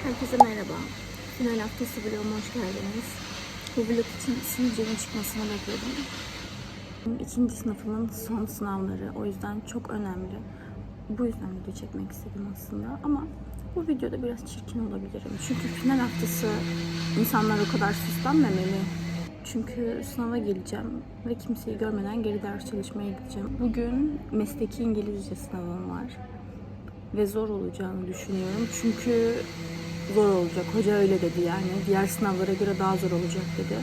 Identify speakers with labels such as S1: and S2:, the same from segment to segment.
S1: Herkese merhaba. Final haftası vloguma hoş geldiniz. Bu vlog için sivilcemin çıkmasını bekledim. İkinci sınıfımın son sınavları. O yüzden çok önemli. Bu yüzden video çekmek istedim aslında. Ama bu videoda biraz çirkin olabilirim. Çünkü final haftası insanlar o kadar süslenmemeli. Çünkü sınava geleceğim ve kimseyi görmeden geri ders çalışmaya gideceğim. Bugün mesleki İngilizce sınavım var. Ve zor olacağını düşünüyorum. Çünkü zor olacak. Hoca öyle dedi yani. Diğer sınavlara göre daha zor olacak dedi.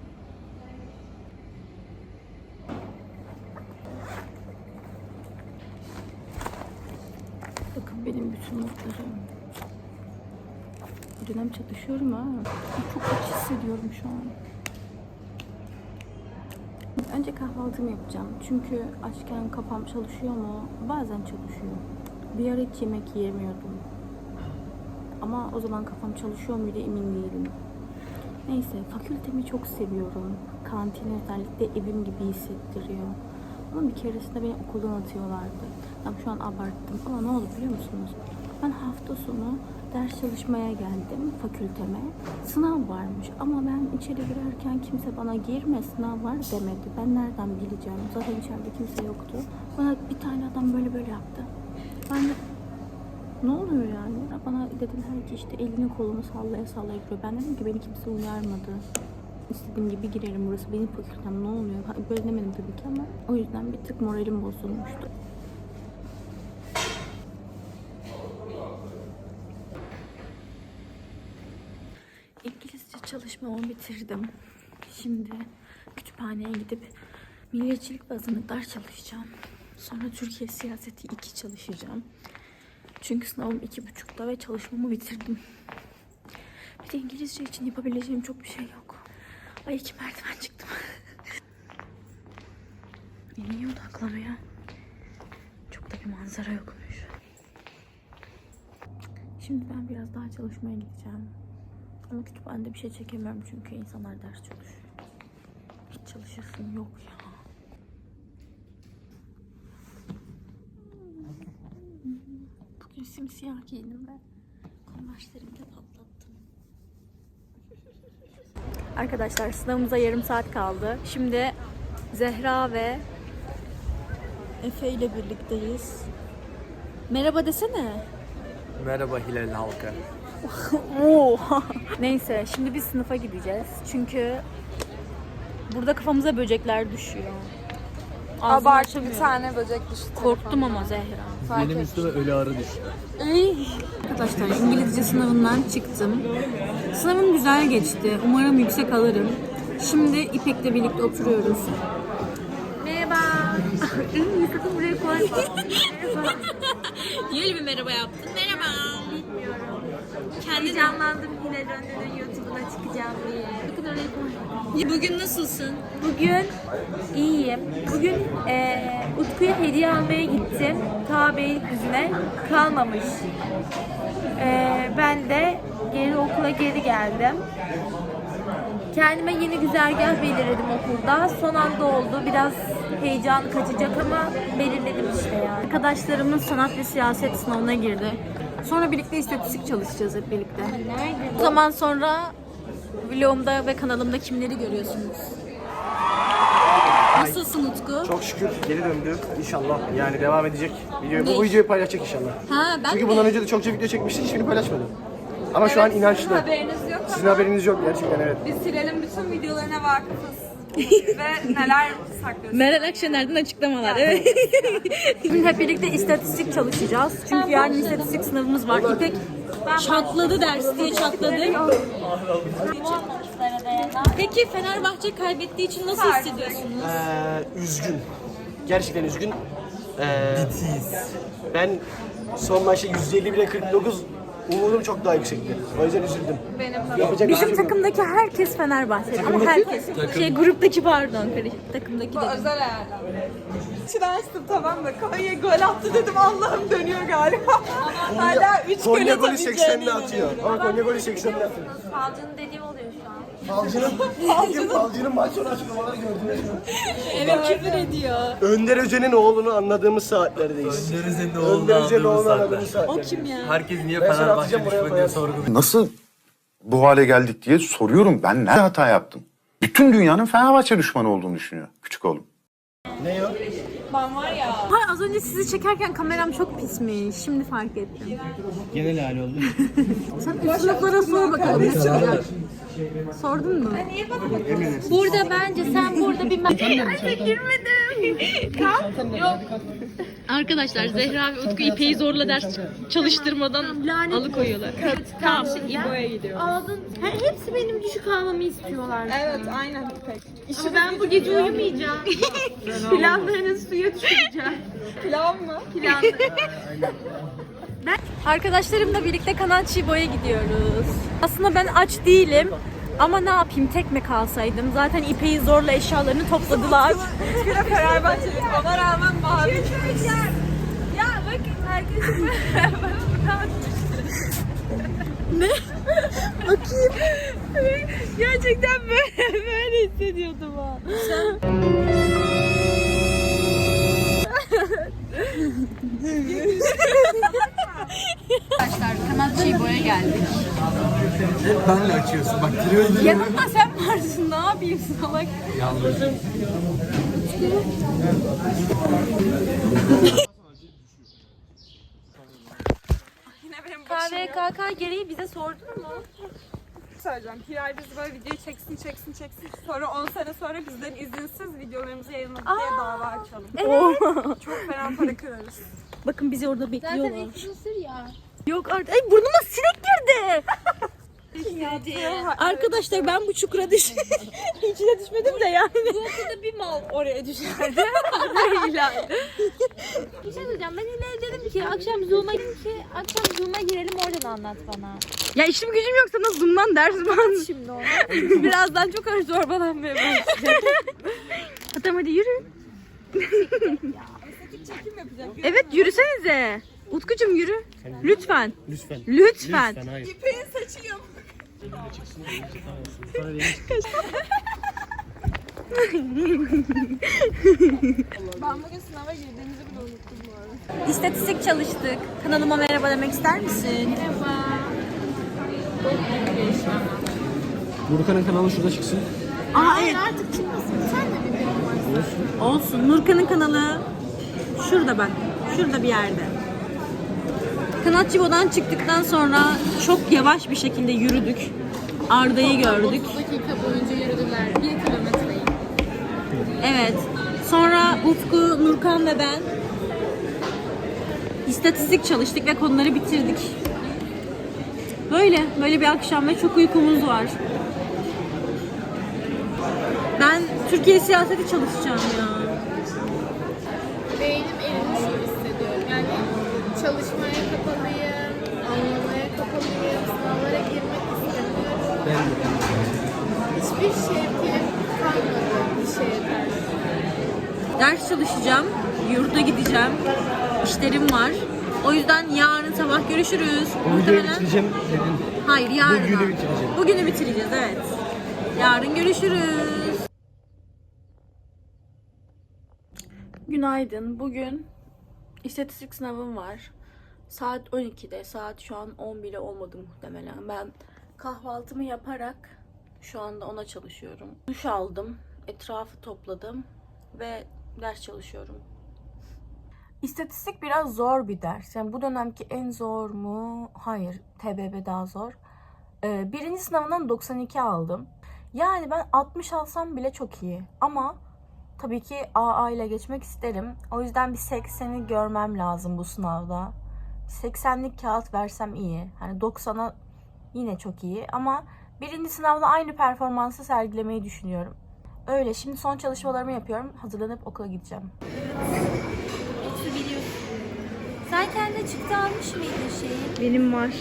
S1: Bakın benim bütün notlarım. Dönem çalışıyorum ha. Çok aç hissediyorum şu an. Önce kahvaltımı yapacağım. Çünkü açken kafam çalışıyor mu? Bazen çalışıyor. Bir ara hiç yemek yiyemiyordum. Ama o zaman kafam çalışıyor muydu emin değilim. Neyse, fakültemi çok seviyorum. Kantini özellikle evim gibi hissettiriyor. Ama bir keresinde beni okuldan atıyorlardı. Tam şu an abarttım ama ne oldu biliyor musunuz? Ben hafta sonu ders çalışmaya geldim fakülteme. Sınav varmış ama ben içeri girerken kimse bana girme sınav var demedi. Ben nereden bileceğim? Zaten içeride kimse yoktu. Bana bir tane adam böyle yaptı. Ben de ne oluyor yani? Bana dediler ki işte elini kolunu sallaya giriyor. Ben dedim ki beni kimse uyarmadı. İstediğim gibi girerim, burası benim fakültem, ne oluyor? Böyle demedim tabii ki ama o yüzden bir tık moralim bozulmuştu. İngilizce çalışmamı bitirdim. Şimdi kütüphaneye gidip milliyetçilik ve azınlıklar çalışacağım. Sonra Türkiye siyaseti 2 çalışacağım. Çünkü sınavım 2.30'da ve çalışmamı bitirdim. Bir de İngilizce için yapabileceğim çok bir şey yok. Ay 2 merdiven çıktım. Niye odaklamıyor? Çok da bir manzara yokmuş. Şimdi ben biraz daha çalışmaya gideceğim. Ama kütüphanede bir şey çekemiyorum çünkü insanlar ders çalışıyor. Hiç çalışasım yok ya. Bugün simsiyah giyindim ve konverslerimi de patlattım. Arkadaşlar sınavımıza yarım saat kaldı. Şimdi Zehra ve Efe ile birlikteyiz. Merhaba desene.
S2: Merhaba Hilal halkı.
S1: Neyse şimdi biz sınıfa gideceğiz. Çünkü burada kafamıza böcekler düşüyor.
S3: Abartı bir tane böcek düştü.
S1: Korktum ama Zehra.
S2: Benim üstüme ölü arı düştü.
S1: Arkadaşlar İngilizce sınavından çıktım. Sınavım güzel geçti. Umarım yüksek alırım. Şimdi İpek'le birlikte oturuyoruz. Merhaba. Sakın buraya koy. Merhaba. Niye öyle bir merhaba yaptın? Merhaba. Bilmiyorum. Heyecanlandım Hilal Önder'in YouTube'una çıkacağım diye. Sakın oraya koy. Bugün nasılsın?
S3: Bugün iyiyim. Bugün Utku'ya hediye almaya gittim. Ta Beylikdüzü'ne kalmamış. Ben de okula geri geldim. Kendime yeni güzergah belirledim okulda. Son anda oldu. Biraz heyecan kaçacak ama belirledim işte yani.
S1: Arkadaşlarımın sanat ve siyaset sınavına girdi. Sonra birlikte istatistik çalışacağız hep birlikte.
S3: Nerede?
S1: O zaman sonra vlogumda ve kanalımda kimleri görüyorsunuz? Nasılsın Utku?
S4: Çok şükür geri döndü. İnşallah yani devam edecek.
S1: Ne?
S4: Bu videoyu paylaşacak inşallah.
S1: Ha ben
S4: Çünkü
S1: de.
S4: bundan önce de çokça video çekmiştik, hiçbirini paylaşmadım. Ama şu an inançlı.
S3: Haberiniz yok
S4: Sizin
S3: ama
S4: haberiniz yok gerçekten, evet.
S3: biz Hilal'in bütün videolarına vakıfız. Ve neler saklıyoruz.
S1: Meral Akşener'den açıklamalar. Evet. Şimdi hep birlikte istatistik çalışacağız. Çünkü yarın istatistik sınavımız var. İpek çatladı ders diye çatladı. Peki Fenerbahçe kaybettiği için nasıl hissediyorsunuz?
S4: Üzgün. Gerçekten üzgün. Ben son maçta 150 bile 49 umudum çok daha yüksekti. O yüzden üzüldüm. Yapacak bir şey
S1: Bizim
S4: yok.
S1: takımdaki herkes Fenerbahçe ama herkes. Gruptaki pardon takımdaki
S3: Bu
S1: dedim.
S3: özel ayarlar. İçini açtım tamam mı? Konya gol attı dedim Allah'ım dönüyor galiba. Hala 3 gol
S4: Konya golü
S3: atabileceğine
S4: 80'de atıyor. Ama Konya golü 80'de atıyor.
S3: Falcının dediği oluyor şu an.
S4: Falcının maç sonu açıklamaları gördünüz mü?
S1: Evet, küfür ediyor.
S4: Önder Özen'in oğlunu anladığımız saatlerdeyiz.
S2: Önder Özen'in
S4: Önder
S2: oğlunu
S4: Özen'in oğlunu
S2: anladığımız
S4: anladığımız
S2: saatler.
S4: saatlerdeyiz.
S1: O kim ya?
S2: Herkes niye
S4: Ben sana
S2: Fenerbahçe
S4: atacağım, buraya
S2: düşmanı diye
S4: koyarsın.
S2: sorguluyor.
S5: Nasıl bu hale geldik diye soruyorum. Ben ne hata yaptım? Bütün dünyanın Fenerbahçe düşmanı olduğunu düşünüyor küçük oğlum.
S4: Ne o?
S1: Hayır, az önce sizi çekerken kameram çok pismiş. Şimdi fark ettim.
S4: Genel hali oldu.
S1: Sen üst sınıflara sor bakalım ne çıkacak. Sordun mu?
S3: Burada bence sen burada bir
S6: Arkadaşlar Zehra ve Utku İpek'i zorla ders çalıştırmadan alıkoyuyorlar. Tamam şimdi İbo'ya gidiyor.
S3: aldın. Hepsi benim düşük almamı istiyorlar.
S6: Evet aynen İpek. İşte ben bu gece uyumayacağım. Planlarınızı suya düşüreceğim. Plan mı? Plan.
S1: Arkadaşlarımla birlikte Kanal Çibo'ya gidiyoruz. Aslında ben aç değilim. Ama ne yapayım, tek mi kalsaydım? Zaten İpek'i zorla eşyalarını topladılar.
S6: Fenerbahçeli ona rağmen mavi.
S1: Ya bakın herkesin Bakayım. Gerçekten böyle hissediyordum ha.
S6: Kanal Çibo'ya geldik.
S2: Benle açıyorsun. Bak giriyoruz.
S1: Yanımda sen varsın, ne yapayım salak. KVKK gereği bize sordun mu?
S6: Söyleyeceğim. Hilal bizi böyle videoyu çeksin. Sonra 10 sene sonra bizden izinsiz videolarımızı yayınladık diye dava açalım. Evet. Çok fena para kırarız.
S1: Bakın bizi orada bekliyorlar.
S3: Zaten influencer ya.
S1: Yok artık. Ay burnuma sinek girdi. Arkadaşlar ben bu çukura içine düşmedim de yani.
S3: Burada bir mal oraya düşerdi. Bir şey söyleyeceğim. Ben yine dedim ki akşam Zoom'a girelim oradan anlat bana.
S1: Ya işim gücüm yok, sana Zoom'dan ders var.
S3: Şimdi onu.
S1: Birazdan çok ağır zorbalanmaya başlayacak. Tamam hadi yürü. Evet yürüsenize. Utkucuğum yürü. Lütfen. Lütfen.
S4: Hayır.
S6: İpek'in saçı yok. Ben bugün sınava girdiğimizi bile unuttum bu arada.
S1: İstatistik çalıştık. Kanalıma merhaba demek ister misin?
S4: Nurkan'ın kanalı şurada çıksın.
S1: Aa evet.
S3: Artık çıkmasın. Sen de bir benim varsın.
S1: Olsun. Nurkan'ın kanalı şurada bak. Şurada bir yerde. Kanal Çibo'dan çıktıktan sonra çok yavaş bir şekilde yürüdük. Arda'yı gördük.
S6: 30 dakika boyunca yürüdüler. 1 kilometreyi.
S1: Evet. Sonra Utku, Nurkan ve ben istatistik çalıştık ve konuları bitirdik. Böyle bir akşam ve çok uykumuz var. Ben Türkiye siyaseti çalışacağım ya.
S6: Beynim erimiş gibi hissediyorum. Yani çalışmaya kapalıyım, anlamaya kapalıyım, sınavlara girmek istemiyorum. Hiçbir şevkim kalmadı bir şeye karşı.
S1: Ders çalışacağım, yurda gideceğim, işlerim var. O yüzden yarın sabah görüşürüz.
S4: Videoyu bitireceğim dedin.
S1: Hayır, yarın.
S4: Bugünü bitireceğim.
S1: Bugünü bitireceğiz, evet. Yarın görüşürüz. Günaydın. Bugün istatistik sınavım var. Saat 12'de. Saat şu an 10 bile olmadı muhtemelen. Ben kahvaltımı yaparak şu anda ona çalışıyorum. Duş aldım. Etrafı topladım. Ve ders çalışıyorum. İstatistik biraz zor bir ders. Yani bu dönemki en zor mu? Hayır. TBB daha zor. Birinci sınavından 92 aldım. Yani ben 60 alsam bile çok iyi. Ama tabii ki AA ile geçmek isterim. O yüzden bir 80'i görmem lazım bu sınavda. 80'lik kağıt versem iyi. Hani 90'a yine çok iyi. Ama birinci sınavda aynı performansı sergilemeyi düşünüyorum. Öyle. Şimdi son çalışmalarımı yapıyorum. Hazırlanıp okula gideceğim.
S3: Sen kendine çıktı almış mıydın şeyi?
S1: Benim var.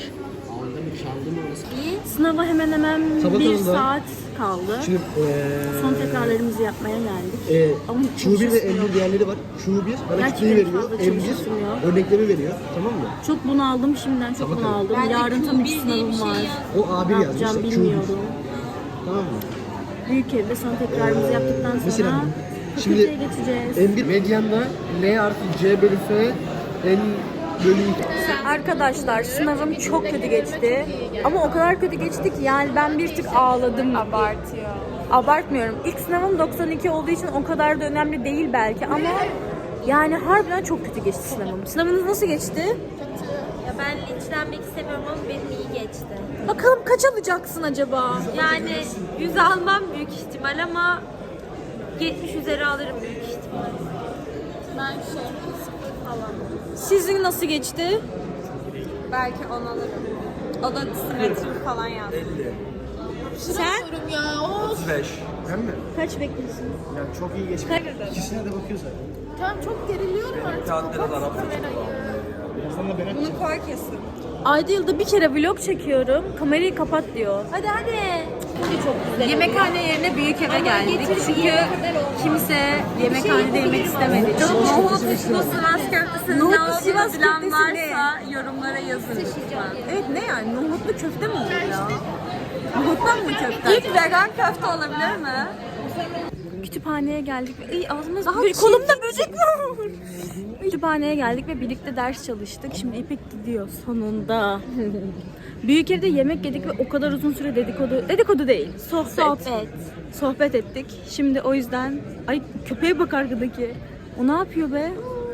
S1: İyi. Sınava hemen
S4: Sabah
S1: bir
S4: oldu.
S1: saat kaldı.
S4: Şimdi
S1: Son tekrarlarımızı yapmaya geldik. Ama hiç
S4: Q1 ve
S1: çalışmıyor.
S4: M1 diğerleri var. Q1 bana
S1: Gerçekten
S4: kitleyi veriyor.
S1: fazla
S4: M1
S1: çalışmıyor.
S4: örneklemi veriyor. Tamam mı?
S1: Çok bunaldım şimdiden, çok bunaldım. Yarın tabii ki sınavım var.
S4: O A1
S1: Ne
S4: yazmış.
S1: yapacağım
S4: Q1.
S1: bilmiyorum.
S4: Tamam mı?
S1: Büyük evde son tekrarımızı yaptıktan sonra
S4: Mesela,
S1: fakülteye
S4: şimdi
S1: geçeceğiz.
S4: M1 medyanda L artı C bölü F N bölü
S1: Arkadaşlar sınavım çok kötü geçti. Ama o kadar kötü geçti ki yani ben bir tık ağladım.
S6: Abartıyor.
S1: Abartmıyorum. İlk sınavım 92 olduğu için o kadar da önemli değil belki ama yani harbiden çok kötü geçti sınavım. Sınavınız nasıl geçti?
S3: Ya ben linçlenmek istemiyorum ama benim iyi geçti.
S1: Bakalım kaç alacaksın acaba?
S3: Yani 100 almam büyük ihtimal ama 70 üzeri alırım büyük ihtimal.
S6: Ben şey falan.
S1: Sizin nasıl geçti?
S6: Belki 10 alırım. O da simetrik falan yazdı.
S1: Sen?
S2: 35.
S4: Hem mi?
S1: Kaç bekliyorsun?
S4: Yani çok iyi geçti. İkisine de bakıyor zaten.
S6: Tamam çok geriliyorum artık. Kapat kamerayı. Bunu koy kesin.
S1: Ayda yılda bir kere vlog çekiyorum. Kamerayı kapat diyor.
S3: Hadi.
S1: Çok güzel.
S3: Yemekhane yerine büyük eve geldik. Çünkü
S1: Kimse yemekhanede yemek istemedi.
S6: Nohut, Sivas köftesi
S1: Nohut,
S6: ne olduğunu
S1: Sivas
S6: bilen
S1: köftesi
S6: varsa yorumlara yazın lütfen.
S1: Evet ne yani? Nohutlu köfte mi olur ya? Nohuttan mı köfte?
S6: İlk vegan köfte olabilir mi?
S1: Kütüphaneye geldik ve ağzımız kolumda böcek var. Kütüphaneye geldik ve birlikte ders çalıştık. Şimdi İpek gidiyor sonunda. Büyük evde yemek yedik ve o kadar uzun süre dedikodu değil. Sohbet ettik. Şimdi o yüzden ay köpeğe bak arkadaki. O ne yapıyor be?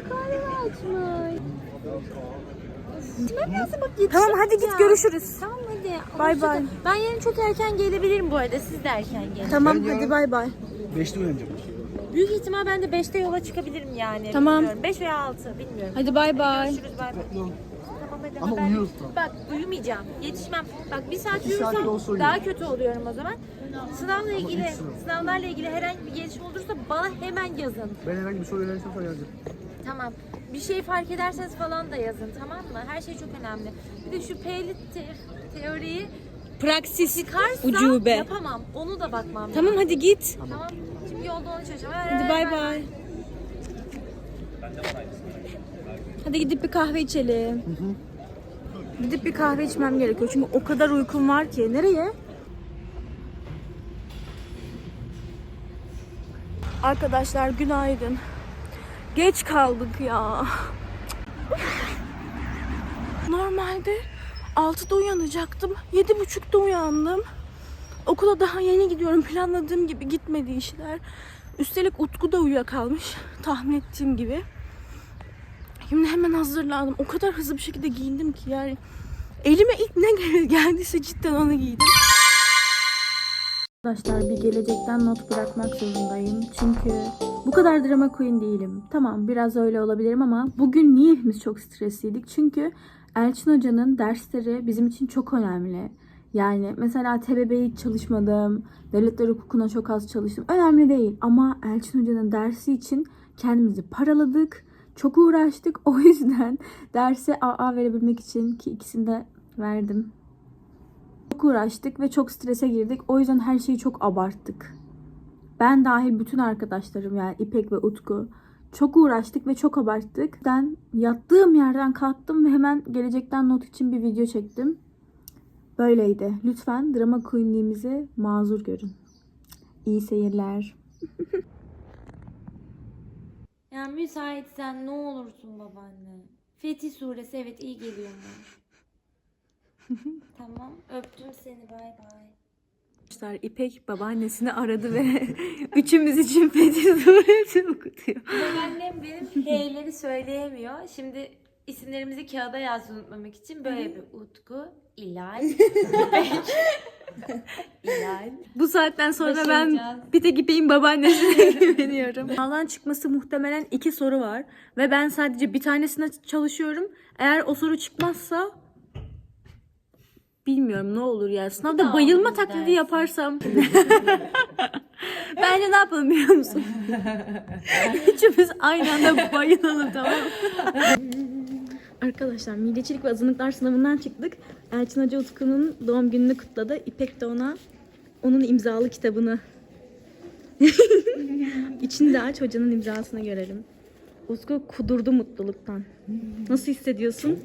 S1: Tamam hadi git görüşürüz.
S3: Tamam hadi.
S1: Bay bay.
S3: Ben yarın çok erken gelebilirim bu arada. Siz de erken gelin.
S1: Tamam hadi bay bay.
S4: 5'te uyanacağım.
S3: Büyük ihtimal ben de 5'te yola çıkabilirim yani.
S1: Tamam.
S3: Bilmiyorum. 5 veya 6 bilmiyorum.
S1: Hadi bay bay.
S3: Görüşürüz bay bay. Tamam hadi.
S4: Ama
S3: haber-
S4: uyuyoruz tam.
S3: Bak uyumayacağım. Yetişmem. Bak bir saat
S4: Bir saat
S3: uyursam
S4: olsa uyurum.
S3: daha kötü oluyorum o zaman. Sınavlarla ilgili herhangi bir gelişme olursa bana hemen yazın.
S4: Ben herhangi bir soru öğrenirsem sana yazacağım.
S3: Tamam. Bir şey fark ederseniz falan da yazın tamam mı? Her şey çok önemli. Bir de şu P'li teoriyi
S1: Praksis
S3: çıkarsa
S1: ucube.
S3: yapamam. Onu da bakmam
S1: Tamam
S3: lazım.
S1: hadi git.
S3: Tamam. Şimdi yolda onu çalışacağım.
S1: Hadi bay bay. Hadi gidip bir kahve içelim. Gidip bir kahve içmem gerekiyor çünkü o kadar uykum var ki. Nereye? Arkadaşlar günaydın. Geç kaldık ya. Normalde 6'da uyanacaktım. 7.30'da uyandım. Okula daha yeni gidiyorum. Planladığım gibi gitmedi işler. Üstelik Utku da uyuyakalmış. Tahmin ettiğim gibi. Şimdi hemen hazırlandım. O kadar hızlı bir şekilde giyindim ki yani. Elime ilk ne geldiyse cidden onu giydim. Arkadaşlar bir gelecekten not bırakmak zorundayım. Çünkü bu kadar drama queen değilim. Tamam biraz öyle olabilirim ama bugün niye hepimiz çok stresliydik? Çünkü Elçin Hoca'nın dersleri bizim için çok önemli. Yani mesela TBB'ye hiç çalışmadım. Devletler hukukuna çok az çalıştım. Önemli değil ama Elçin Hoca'nın dersi için kendimizi paraladık. Çok uğraştık. O yüzden derse AA verebilmek için ki ikisini de verdim. Çok uğraştık ve çok strese girdik. O yüzden her şeyi çok abarttık. Ben dahil bütün arkadaşlarım yani İpek ve Utku. Çok uğraştık ve çok abarttık. Ben yattığım yerden kalktım ve hemen gelecekten not için bir video çektim. Böyleydi. Lütfen drama queenliğimizi mazur görün. İyi seyirler.
S3: Ya müsaitsen ne olursun babaanne. Fetih suresi evet iyi geliyor mu? Tamam öptüm seni bay bay.
S1: Arkadaşlar İpek babaannesini aradı ve üçümüz için Fetih Suresi okutuyor.
S3: Babaannem benim H'leri söyleyemiyor. Şimdi isimlerimizi kağıda yazdı unutmamak için böyle bir Utku, İlal, İlal.
S1: Bu saatten sonra
S3: Başaracağız.
S1: ben bir tek İpek'in babaannesine güveniyorum. Sınavdan çıkması muhtemelen 2 soru var. Ve ben sadece bir tanesine çalışıyorum. Eğer o soru çıkmazsa bilmiyorum ne olur ya. Sınavda bayılma taklidi
S3: dersin.
S1: yaparsam. Bence ne yapalım biliyor musun? Üçümüz aynı anda bayılalım tamam mı? Arkadaşlar milliyetçilik ve azınlıklar sınavından çıktık. Elçin Hoca Utku'nun doğum gününü kutladı. İpek de onun imzalı kitabını içinde aç hocanın imzasını görelim. Utku kudurdu mutluluktan. Nasıl hissediyorsun?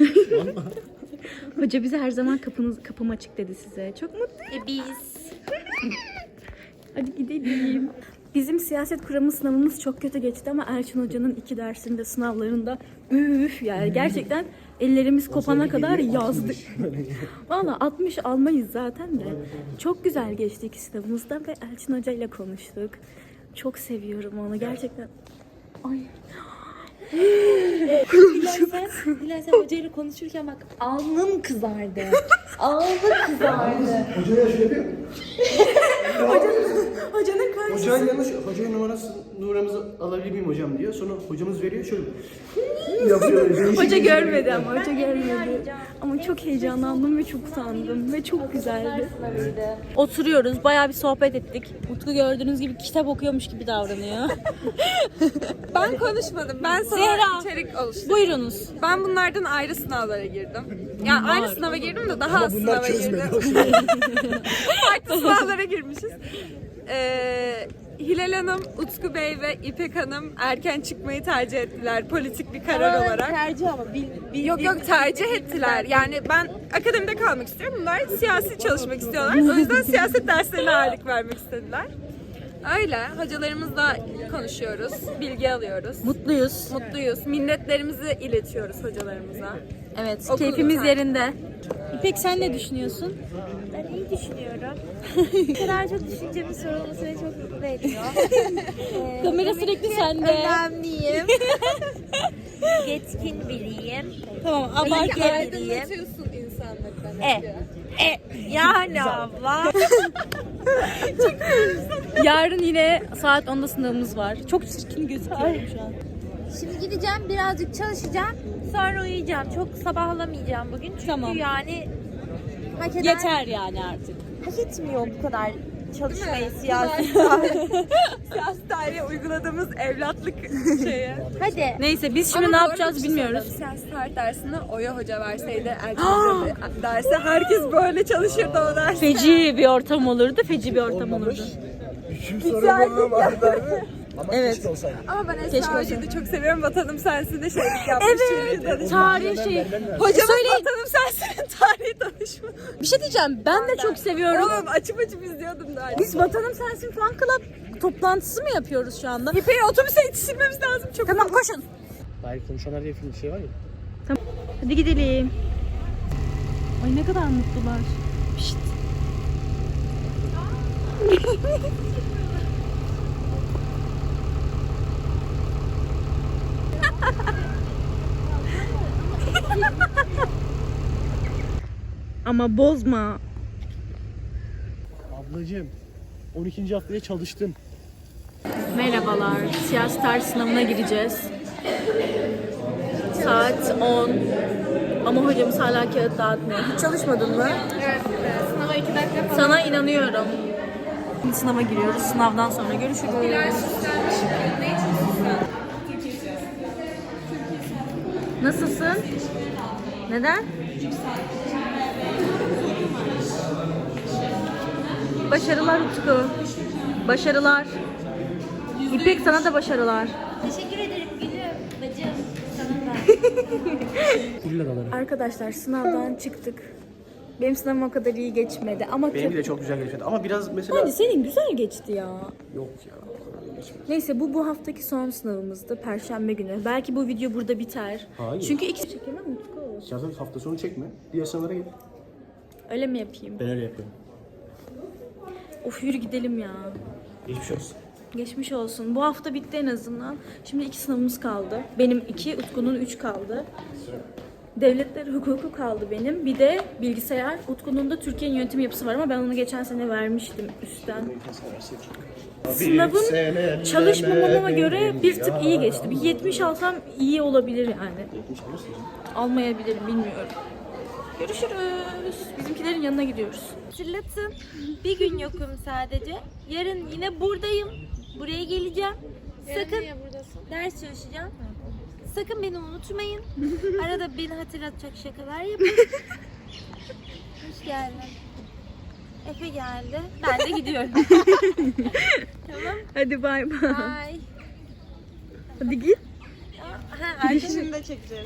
S1: Hoca bize her zaman kapım açık dedi size. Çok mutluyum.
S3: Biz
S1: Hadi gidelim. Bizim siyaset kuramı sınavımız çok kötü geçti ama Elçin Hoca'nın 2 dersinde sınavlarında üf yani gerçekten ellerimiz kopana kadar yazdık. Valla 60 almayız zaten de. Çok güzel geçti 2 sınavımızda ve Elçin Hoca ile konuştuk. Çok seviyorum onu gerçekten. Ay.
S3: Dilersen hocayla konuşurken bak alnım kızardı. Alnım kızardı.
S4: Hocaya şöyle yapıyor.
S1: Hocanın karşısında.
S4: Hocanın yanlış, hocanın numaramızı alabilir miyim hocam diyor. Sonra hocamız veriyor şöyle. Yapıyor.
S1: Hoca görmedi ama hoca görmedi. Ama çok heyecanlandım ve çok utandım ve çok güzeldi. Oturuyoruz, bayağı bir sohbet ettik. Utku gördüğünüz gibi kitap okuyormuş gibi davranıyor.
S6: Ben konuşmadım. Ben sana
S1: Zehra,
S6: içerik oluşturdum.
S1: Buyurunuz.
S6: Ben bunlardan ayrı sınavlara girdim. Yani aynı sınava girdim de daha az sınava girdim. Farklı sınavlara girmişiz. Hilal Hanım, Utku Bey ve İpek Hanım erken çıkmayı tercih ettiler politik bir karar olarak.
S3: Tercih ama
S6: Yok tercih ettiler. Yani ben akademide kalmak istiyorum. Bunlar siyasi çalışmak istiyorlar. O yüzden siyaset derslerine ağırlık vermek istediler. Öyle. Hocalarımızla konuşuyoruz. Bilgi alıyoruz.
S1: Mutluyuz.
S6: Mutluyuz. Minnetlerimizi iletiyoruz hocalarımıza.
S1: Evet,
S6: Okul
S1: keyfimiz
S6: lütfen.
S1: yerinde. İpek sen ne düşünüyorsun?
S3: Ben iyi düşünüyorum. Bu kadar çok düşüncemin sorulması beni çok mutlu ediyor.
S1: Kamera sürekli sende.
S3: Önemliyim. Yetkin biriyim.
S1: Tamam,
S3: Bilge biriyim.
S6: Aydınlatıyorsun insanları.
S3: Yani abla.
S1: Yarın yine saat 10'da sınavımız var. Çok çirkin gözüküyorum şu an.
S3: Şimdi gideceğim birazcık çalışacağım. Sonra uyuyacağım. Çok sabahlamayacağım bugün. Çünkü
S1: Tamam.
S3: yani hak eden
S1: Yeter yani artık.
S3: hak etmiyor bu kadar çalışmayı siyasi.
S6: Siyasi tarihe uyguladığımız evlatlık şeye.
S3: Hadi.
S1: Neyse biz şimdi
S6: Ama
S1: ne
S6: doğru
S1: yapacağız
S6: bir şey
S1: bilmiyoruz.
S6: söyledim. Siyasi tarih dersini Oya Hoca verseydi, Elçin Hoca derse herkes böyle çalışırdı o ders.
S1: Feci bir ortam olurdu, feci bir ortam olurdu.
S4: Üçüncü soru bana vardı. Ama
S1: Evet.
S4: keşke olsaydı.
S6: Ama ben Esra Hoca'yı da çok seviyorum. Vatanım Sensin'de şeylik yapmış. çünkü danışman.
S1: Tarih şey.
S6: Hocamız Vatanım Sensin'in tarihi danışmanı.
S1: Bir şey diyeceğim. Ben de çok seviyorum.
S6: Oğlum açıp izliyordum da.
S1: Biz Vatanım Sensin Fan Club toplantısı mı yapıyoruz şu anda?
S6: İpek'i otobüse yetiştirmemiz lazım. Çok
S1: Tamam koşun.
S4: Hayır konuşanlar diye film bir şey var ya.
S1: Hadi gidelim. Ay ne kadar mutlular. Pişt. Ama bozma.
S4: Ablacığım 12. haftaya çalıştım.
S1: Merhabalar. Siyasi tarih sınavına gireceğiz. Saat 10. Ama hocamız hala kağıt dağıtmıyor. Hiç çalışmadın mı?
S6: Evet. Sınava 2 dakika falan.
S1: Sana inanıyorum. Şimdi sınava giriyoruz. Sınavdan sonra görüşürüz.
S6: Ne için süslen?
S1: Nasılsın? Neden? Başarılar Utku. Başarılar. İpek sana da başarılar.
S3: Teşekkür ederim gülüm. Bacım. Sana da.
S1: Arkadaşlar sınavdan çıktık. Benim sınavım o kadar iyi geçmedi ama
S4: Benim de çok güzel geçmedi. Ama biraz mesela...
S1: Hadi senin güzel geçti ya.
S4: Yok ya. o kadar geçmedi.
S1: Neyse bu haftaki son sınavımızdı. Perşembe günü. Belki bu video burada biter.
S4: Hayır.
S1: Çünkü iki çekemem Utku.
S4: Zaten hafta sonu çekme. Diğer sınavlara git.
S1: Öyle mi yapayım?
S4: Ben öyle yapıyorum.
S1: Of yürü gidelim ya.
S4: Geçmiş olsun.
S1: Geçmiş olsun. Bu hafta bitti en azından. Şimdi 2 sınavımız kaldı. Benim 2, Utku'nun 3 kaldı. Devletler hukuku kaldı benim. Bir de bilgisayar. Utku'nun da Türkiye'nin yönetim yapısı var ama ben onu geçen sene vermiştim üstten. Sınavım çalışmamama göre bir tık iyi geçti. Bir 70 alsam iyi olabilir yani. Almayabilirim bilmiyorum. Görüşürüz. Bizimkilerin yanına gidiyoruz.
S3: Hatırlatın. Bir gün yokum sadece. Yarın yine buradayım. Buraya geleceğim. Sakın ders çalışacağım. Sakın beni unutmayın. Arada beni hatırlatacak şakalar yapın. Hoş geldin. Efe geldi. Ben de gidiyorum. Tamam.
S1: Hadi bay bay.
S3: Bye.
S1: Hadi git.
S3: Ha, arkadaşını da çekeceğiz.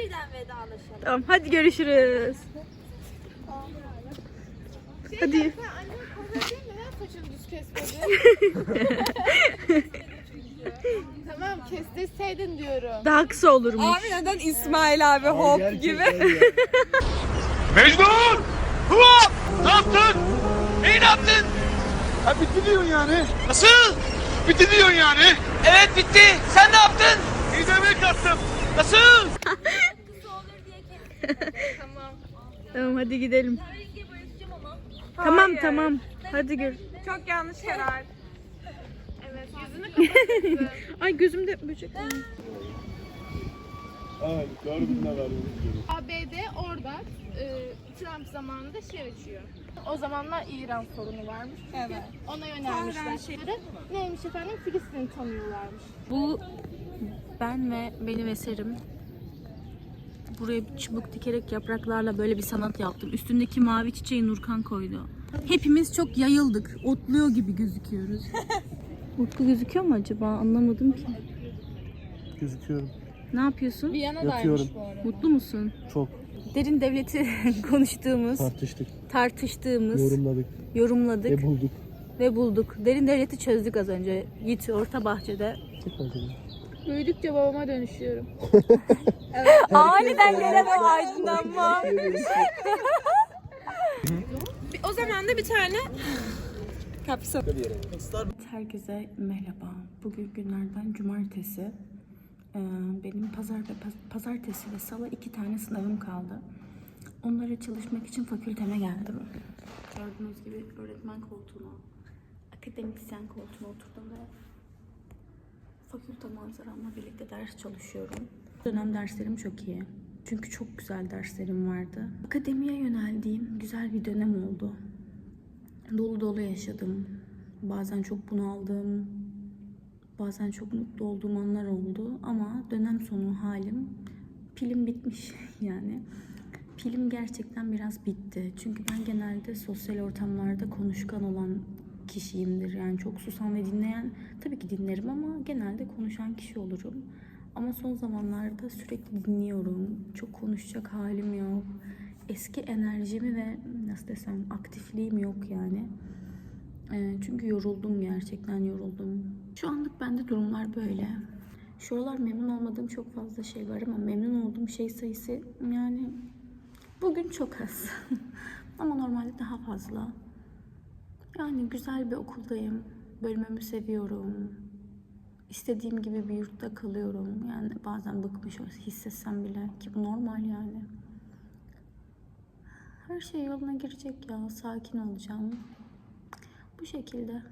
S3: Birden vedalaşalım.
S1: Tamam hadi görüşürüz. Hadi.
S7: Tamam kestirseydin diyorum.
S1: Daha kısa olurmuş.
S6: Abi neden İsmail abi hop gibi?
S8: Mecnun! Hop! Ne yaptın? Neyi ne yaptın? Ha bitti diyorsun yani. Nasıl? Bitti diyorsun yani. Evet bitti. Sen ne yaptın? İzlemeye kalktım. Nasıl?
S1: Tamam hadi gidelim. Tamam. Hadi gör.
S6: Çok yanlış karar.
S1: Ay gözümde böcek var.
S7: ABD orada Trump zamanında açıyor. O zamanlar İran sorunu varmış. Evet. Ona yönelmişler. Neymiş efendim? Filistin'i tanıyorlarmış.
S1: Bu ben ve benim eserim. Buraya bir çubuk dikerek yapraklarla böyle bir sanat yaptım. Üstündeki mavi çiçeği Nurkan koydu. Hepimiz çok yayıldık. Otluyor gibi gözüküyoruz. Utku gözüküyor mu acaba? Anlamadım ki.
S4: Gözüküyorum.
S1: Ne yapıyorsun?
S4: Yatıyorum.
S1: Mutlu musun?
S4: Çok.
S1: Derin devleti konuştuğumuz, tartıştığımız, yorumladık ve bulduk. Derin devleti çözdük az önce. Yiğit orta bahçede.
S7: Büyüdükçe babama dönüşüyorum.
S1: Aniden gelen o aydınlanma.
S6: O zaman da bir tane kapsam.
S1: Herkese merhaba. Bugün günlerden cumartesi. Benim pazartesi ve salı 2 tane sınavım kaldı. Onlara çalışmak için fakülteme geldim. Gördüğünüz gibi öğretmen koltuğuna, akademisyen koltuğuna oturdum ve fakülte manzaramla birlikte ders çalışıyorum. Bu dönem derslerim çok iyi. Çünkü çok güzel derslerim vardı. Akademiye yöneldiğim güzel bir dönem oldu. Dolu dolu yaşadım. Bazen çok bunaldım. Bazen çok mutlu olduğum anlar oldu. Ama dönem sonu halim, pilim bitmiş yani. Pilim gerçekten biraz bitti. Çünkü ben genelde sosyal ortamlarda konuşkan olan kişiyimdir. Yani çok susan ve dinleyen, tabii ki dinlerim ama genelde konuşan kişi olurum. Ama son zamanlarda sürekli dinliyorum. Çok konuşacak halim yok. Eski enerjimi ve nasıl desem aktifliğim yok yani. Çünkü yoruldum, gerçekten yoruldum. Şu anlık bende durumlar böyle. Şu aralar memnun olmadığım çok fazla şey var ama memnun olduğum şey sayısı yani bugün çok az. Ama normalde daha fazla. Yani güzel bir okuldayım. Bölümümü seviyorum. İstediğim gibi bir yurtta kalıyorum. Yani bazen bıkmış hissetsem bile ki bu normal yani. Her şey yoluna girecek ya. Sakin olacağım. Bu şekilde.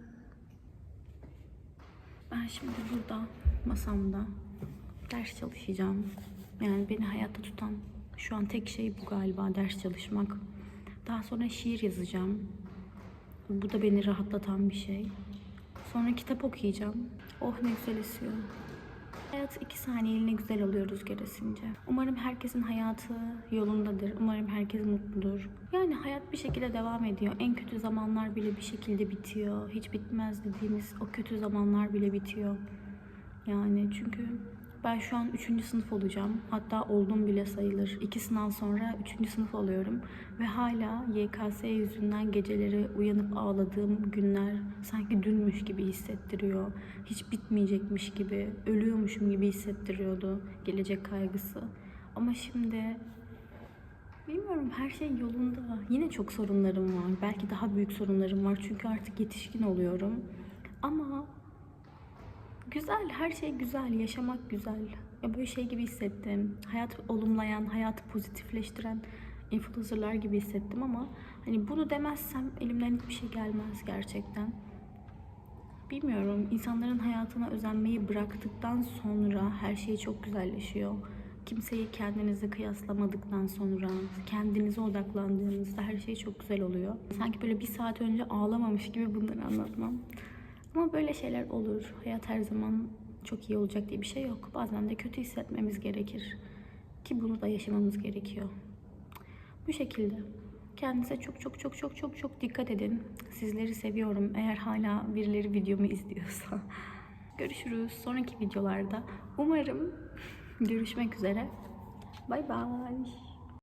S1: Ben şimdi burada masamda ders çalışacağım. Yani beni hayatta tutan şu an tek şey bu galiba, ders çalışmak. Daha sonra şiir yazacağım. Bu da beni rahatlatan bir şey. Sonra kitap okuyacağım. Oh ne güzel esiyor. Hayat 2 saniyeliğine güzel oluyor rüzgar esince. Umarım herkesin hayatı yolundadır. Umarım herkes mutludur. Yani hayat bir şekilde devam ediyor. En kötü zamanlar bile bir şekilde bitiyor. Hiç bitmez dediğimiz o kötü zamanlar bile bitiyor. Yani çünkü ben şu an 3. sınıf olacağım. Hatta oldum bile sayılır. 2 sınav sonra 3. sınıf oluyorum. Ve hala YKS yüzünden geceleri uyanıp ağladığım günler sanki dünmüş gibi hissettiriyor. Hiç bitmeyecekmiş gibi, ölüyormuşum gibi hissettiriyordu gelecek kaygısı. Ama şimdi bilmiyorum, her şey yolunda. Yine çok sorunlarım var. Belki daha büyük sorunlarım var çünkü artık yetişkin oluyorum. Ama güzel, her şey güzel, yaşamak güzel. Ya böyle şey gibi hissettim. Hayat olumlayan, hayatı pozitifleştiren influencerlar gibi hissettim ama hani bunu demezsem elimden hiçbir şey gelmez gerçekten. Bilmiyorum, insanların hayatına özenmeyi bıraktıktan sonra her şey çok güzelleşiyor. Kimseyi kendinize kıyaslamadıktan sonra, kendinize odaklandığınızda her şey çok güzel oluyor. Sanki böyle 1 saat önce ağlamamış gibi bunları anlatmam. Ama böyle şeyler olur. Hayat her zaman çok iyi olacak diye bir şey yok. Bazen de kötü hissetmemiz gerekir. Ki bunu da yaşamamız gerekiyor. Bu şekilde. Kendinize çok dikkat edin. Sizleri seviyorum. Eğer hala birileri videomu izliyorsa. Görüşürüz sonraki videolarda. Umarım görüşmek üzere. Bay bay.